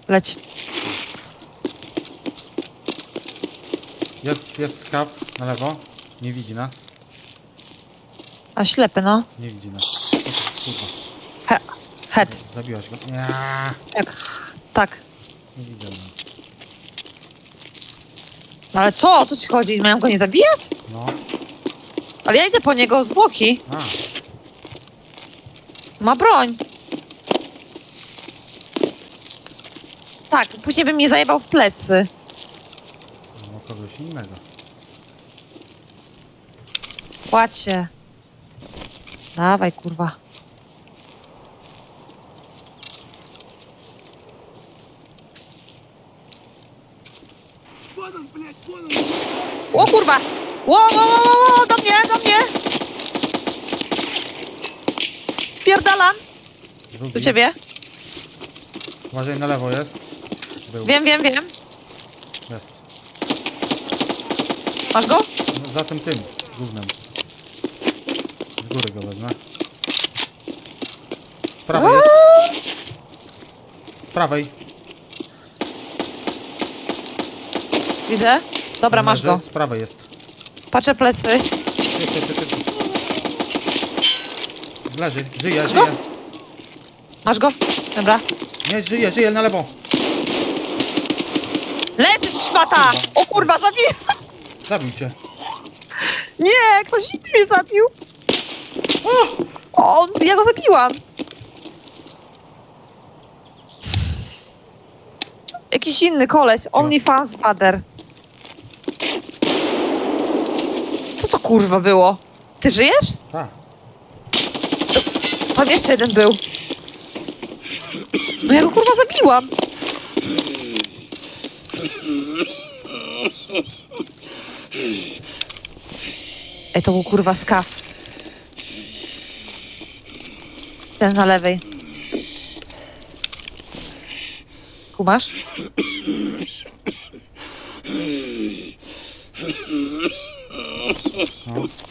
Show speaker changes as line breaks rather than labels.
Leć.
Jest skaw na lewo. Nie widzi nas.
A ślepy, no.
Nie widzi nas. Kurwa.
Head.
Zabiłaś go. Nie,
Tak.
nie widzę nas.
No ale co? O co ci chodzi? Mają go nie zabijać?
No.
Ale ja idę po niego z zwłoki.
A,
Ma broń. Tak, później bym mnie zajebał w plecy.
no kogoś innego.
Kładź się. Dawaj, kurwa. O kurwa! Ło, do mnie! Spierdalam
Drugi.
do ciebie.
Uważaj, na lewo jest. Był.
Wiem.
Jest.
Masz go?
No, za tym gównem. Z góry go wezmę. Z prawej jest. Z prawej.
Widzę. Dobra, masz
Leży,
go.
Z prawej jest.
Patrzę plecy.
Ty. Leży, żyje.
Masz go? Dobra.
Nie, żyje, na lewo.
Leżysz, szmata! O kurwa, zabiję!
Zabił cię.
Nie, ktoś inny mnie zabił. O, ja go zabiłam. Jakiś inny koleś. OnlyFans father. Co to kurwa było? Ty żyjesz?
Tak.
Tam jeszcze jeden był. No ja go kurwa zabiłam. Ej, to był kurwa skaw. Ten na lewej. Kumasz?
No.